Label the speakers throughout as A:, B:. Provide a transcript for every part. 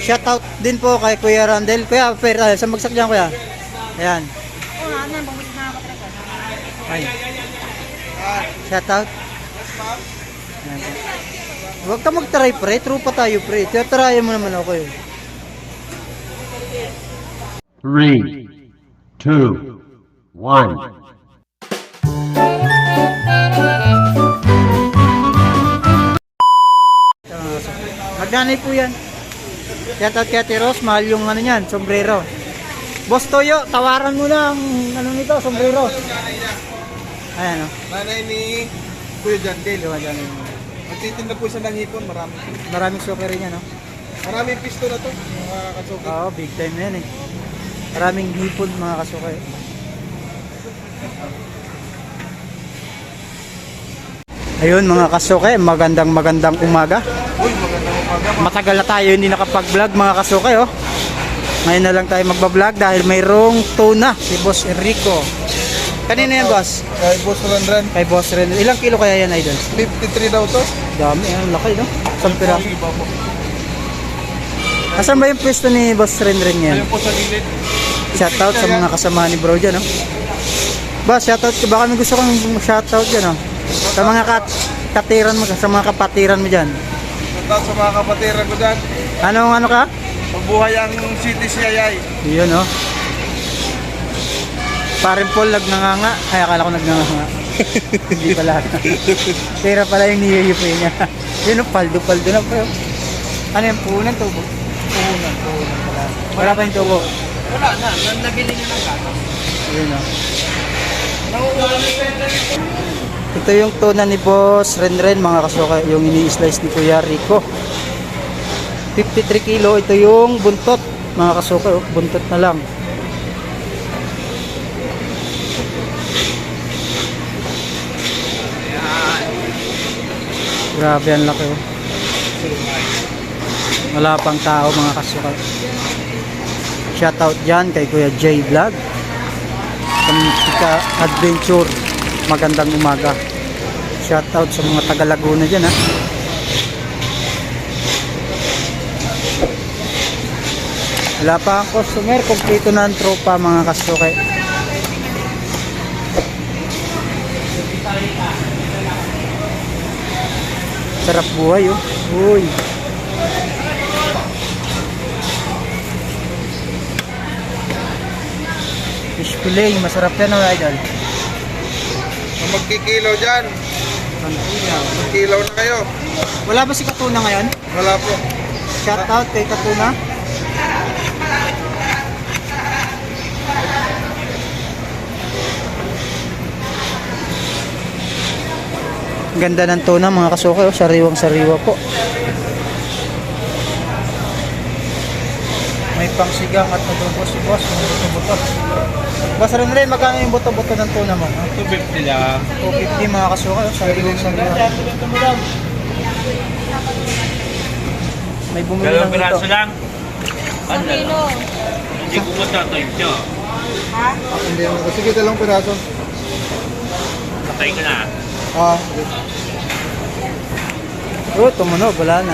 A: Shoutout din po kay Kuya Randel. Kuya, sa magsak dyan, Kuya. Ayan. Ay. Shoutout. Ayan. Huwag ka mag-try, pre. True pa tayo, pre. Try mo naman ako, eh.
B: 3, 2, 1.
A: Magdanay po yan. Shoutout kay Ate Rose, mahal yung ano yan, sombrero. Boss Toyo, tawaran mo na ang ano nito, sombrero. Ayan o.
C: Nanay ni Kuya Jandel.
A: Diba dyan?
C: Magtitinda po siya ng hipon, marami.
A: Maraming suki rin yan, no?
C: Maraming pisto na to, mga kasuki.
A: Oo, big time yan eh. Maraming hipon mga kasuki. Ayun mga kasuki, magandang umaga.
C: Uy, magandang umaga.
A: Matagal na tayo hindi nakapag-vlog mga kasuki, oh. Ngayon na lang tayo magba-vlog dahil mayroong tuna si Boss Enrico. Kanina yan, boss?
C: Kay Boss Randran.
A: Kay Boss Ren. Ilang kilo kaya yan, idol?
C: 53 daw to.
A: Dami, ang laki, no? Isang piraso.
C: Iba po.
A: Asan ba yung pwesto ni Boss Ren yan?
C: Ayun po sa gilid.
A: Shoutout sa mga kasama ni bro dyan, no? Boss, shoutout ka. Baka may gusto kang shoutout dyan, no? Sa mga katiran mo, sa mga kapatiran mo dyan.
C: Shoutout sa mga kapatiran ko dyan.
A: Anong ano ka?
C: Mabuhay ang City CII.
A: Yun, no? Parin Paul nagnanganga. Ay, akala ko nagnanganga. Hindi pala. Pera pala yung niyuyupi niya. Yun, no? Paldo na, bro. Ano yung puhunan, tubo? Puhunan pala. Wala pa yung tubo?
C: Wala na, nabili niyo ng gato.
A: Yun, no? Ito yung tuna ni Boss Ren, mga kasuka. Yung ini-slice ni Kuya Rico. 53 kilo. Ito yung buntot, mga kasuka. Oh, buntot na lang. Grabe ang laki, oh. Wala pang tao mga kasuka. Shoutout dyan kay Kuya J Vlog, Kamtika Adventure. Magandang umaga. Shoutout sa mga taga Laguna dyan, ha. Wala pa ang customer, kompleto na ang tropa mga kasuka. Sarap buhay, oh. Uy. Fish fillet, masarap yan, oh, idol.
C: Kung magkikilaw dyan, magkilaw na kayo.
A: Wala ba si Katuna ngayon?
C: Wala po.
A: Shoutout kay Katuna. Ganda ng tuna mga kasuke, oh. Sariwang sariwa po. May pangsigang at adobo si boss, mga buto-buto. Boss rin, magkano yung buto-buto ng tuna mo?
C: 250 lang.
A: 250 mga kasuke, oh. Sariwang sariwa. May bumili lang
D: Piraso
A: dito.
D: lang. Ano? Hindi ko matatoy ito.
C: Hindi ako. Sige, dalawang piraso.
D: Patay ka na.
C: Ah,
A: Oh, tumunog, wala na.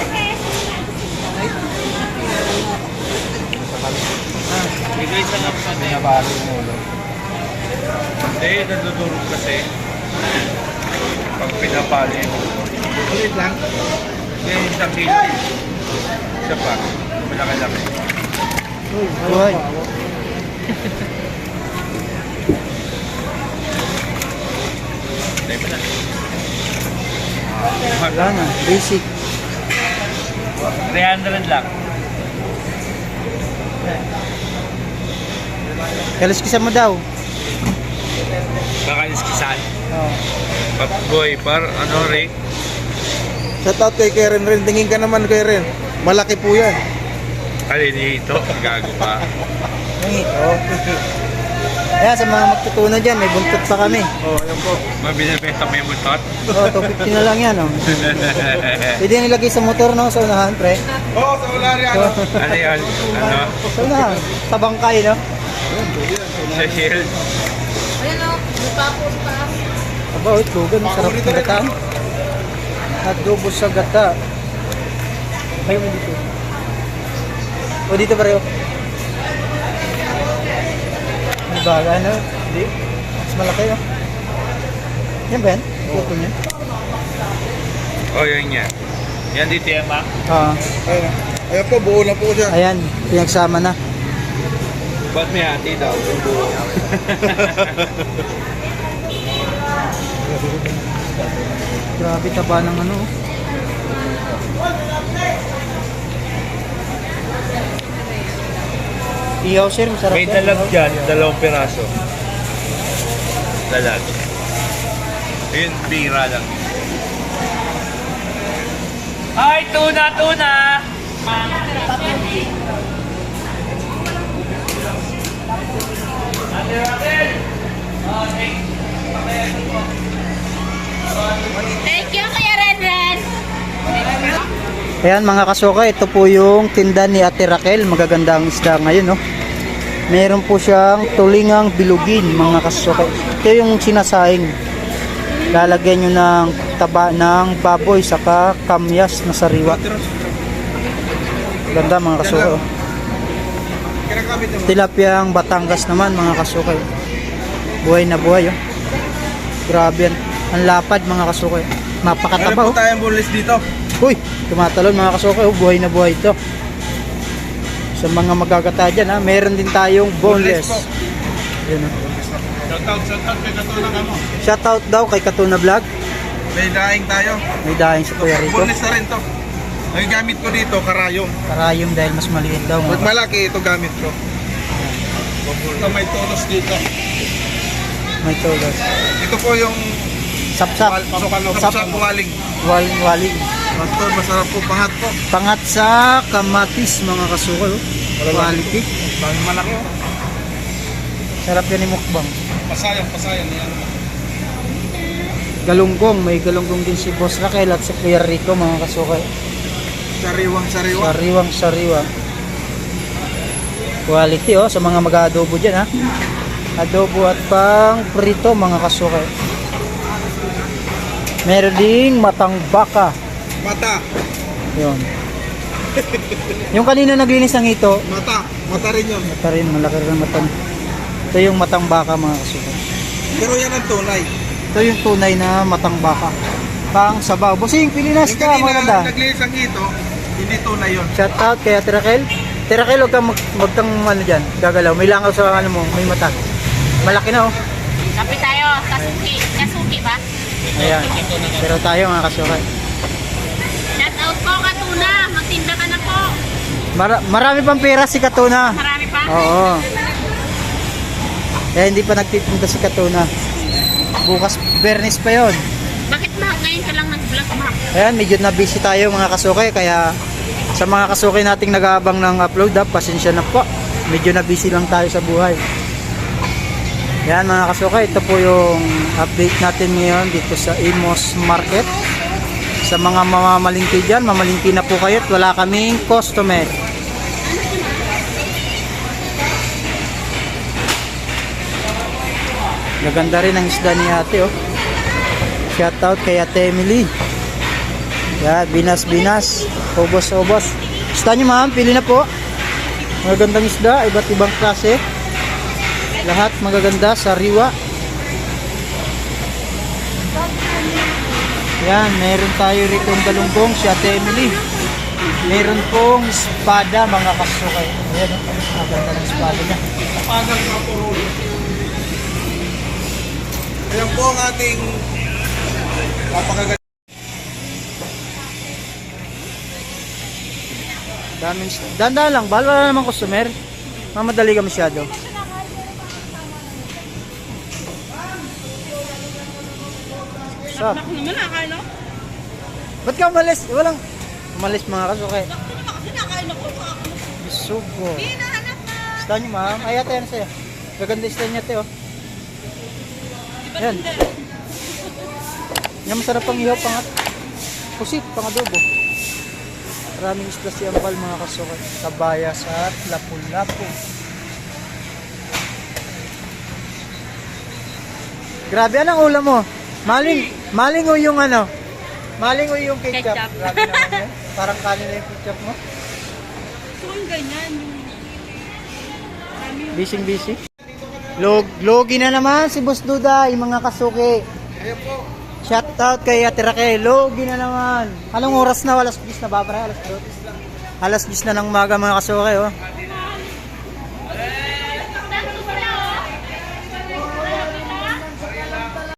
D: Hindi ko isa lang pa din.
C: nabali yung ulo.
D: Hindi, nadudurog kasi. Pag pinapali.
C: Ulit lang.
D: Kaya isang kilo. Isa pa. Malaki-laki.
A: Buhay.
D: Patay pa na.
A: Wala na, basic.
D: 300 lang.
A: Kaliskisan mo daw.
D: Baka iskisan.
A: Oh.
D: Boy, ano Rick?
C: Shoutout kay Karen rin. Tingin ka naman kay Ren. Malaki po yan.
D: Dito. Gago pa.
A: Yung ito. Ayan, sa mga magtutunan dyan, may buntot pa kami.
C: Oh, ayan po.
D: Mabinibenta mo yung mutot.
A: Oh, 250 na lang yan, oh. Pwede nilagay sa motor, no? Sa unahan, pre.
C: Oh, sa wala rin ano.
D: Ano yun? Ano?
A: Sa unahan. Sa bangkay, no?
D: Sa shield.
A: Aba, oh, itlogan. Sarap ng gata. Adobo sa gata. Ayaw mo dito. O dito pareho. May baga, ano? Hindi. Mas malaki, no? Yan ba yan? Puto niya?
D: Oh, yun yan. Yan dito yan, ma.
C: Ayun. Ayun po, buo na po siya.
A: Ayan, pinagsama na.
D: Ba't may hati daw? Yung buo.
A: Grabe taba ng ano. Ihaw sir, masarap
D: May
A: yan.
D: dalag dyan, 2 piraso. Dalag. Yun, bira lang. Ay, tuna, tuna!
E: Thank you, Kuya Renren.
A: Ayan mga kasuka, ito po yung tinda ni Ate Raquel. Magaganda ang isda ngayon, no? Meron po siyang tulingang bilugin, mga kasuka. Ito yung sinasahing. Lalagyan nyo ng taba ng baboy saka kamyas na sariwa. Ganda mga kasuka. Oh.
C: Kinakamit naman.
A: Tilapiyang Batangas naman mga kasuka. Buhay na buhay. Oh. Grabe yan. Ang lapad mga kasuka. Mapakataba.
C: Meron
A: Oh.
C: po tayong boneless dito.
A: Uy, tumatalon mga kasuka, oh, buhay na buhay ito. Sa mga magagata dyan, ha, meron din tayong boneless. Yun, oh.
C: Shoutout kay Katuna ka mo.
A: Shoutout daw kay Katuna Vlog.
C: May daing tayo.
A: May dahing sa Kuya Rico.
C: Boneless na rin to. Ang gamit ko dito, karayom.
A: Karayom dahil mas maliit daw.
C: Pag
A: Mga.
C: malaki, ito gamit ko. Ito may tonos dito.
A: May tulos.
C: Ito po yung
A: Sapsap.
C: sapsap waling.
A: Waling.
C: Pastor, masarap po, pahat po.
A: Pangat sa kamatis mga kasuka. Oh. Quality.
C: Dami malaki oh.
A: Sarap yan ni mukbang.
C: Pasayang yan.
A: Galunggong. May galunggong din si Boss Raquel at si Kuya Rico mga kasuka.
C: Sariwang sariwa.
A: Sariwa. Quality oh sa mga mag-adobo dyan ha. Adobo at pang prito mga kasuka. Meron ding matang baka.
C: Mata.
A: Yun. Yung kanina naglinis ng ito,
C: Mata rin yun.
A: mata rin, malaki rin ang mata. Ito yung matang baka mga kasuka.
C: Pero yan ang tunay.
A: Ito yung tunay na matang baka. Pang sabaw. Bossing, Pilinas
C: Yung
A: ka,
C: kanina
A: maganda.
C: naglinis ang ito, hindi tunay yun.
A: Shout out kay Ate Raquel. Ate Raquel, huwag kang ano dyan, gagalaw. May langaw sa ano mo, may mata. Malaki na oh.
E: Kape tayo. Kasuki. Kasuki ba?
A: Ayan. Pero tayo mga kasuka.
E: Shout out po, Katuna. Magtinda ka na po.
A: Marami pang pera si Katuna.
E: Marami pa.
A: Oo. Kaya hindi pa nagtitinda si Katuna. Bukas, Bernis pa yon.
E: Bakit ma? Ngayon ka lang nag-vlog, ma?
A: Ayan, medyo na busy tayo mga kasukay. Kaya sa mga kasukay nating nag-aabang ng upload, pasensya na po. Medyo na busy lang tayo sa buhay. Yan mga kasukay, ito po yung update natin ngayon dito sa Imos Market. Sa mga mamamalingki dyan, mamalingki na po kayo at wala kaming customer. Gaganda rin ang isda ni ate oh. Shout out kay Ate Emily. Yan, binas. Ubos. Isda nyo ma'am, pili na po. Magagandang isda, iba't ibang klase. Lahat magaganda, sariwa. Yan, meron tayo rito ang galunggong si Ate Emily. Meron pong espada mga kasukay. Ayan, ang ganda ng espada niya.
C: Pagang kapurol. Ayan po ang ating napakaganda.
A: Daming danda lang, bahal wala namang customer. Mamadali ka masyado. Stop.
E: Naman nakain ako.
A: Ba't ka umalis? Walang umalis mga kasukay.
E: Kasi nakain ako.
A: Bisugo.
E: Hinahanap na.
A: Isda nyo ma'am. Ay ate, ano sa'yo? Gaganda isda niya ate oh. Yan. Yan masarap pang ihaw pangat. Pusit, pang adobo. Maraming isda si Ampal mga kasukay. Kabayas at lapu-lapu. Grabe, anong ulam mo? Maling o yung ano? Maling o yung ketchup?
E: Ketchup.
A: Grabe naman yan. Parang kanin na yung ketchup mo.
E: yung ganyan.
A: Busy. Logi na naman si Boss Duda, yung mga kasuki.
C: Ayan po.
A: Shout out kay Ate Raquel, logi na naman. Anong oras na? Alas 10 na ba, pre? Alas 10 na ng umaga mga kasuki, oh.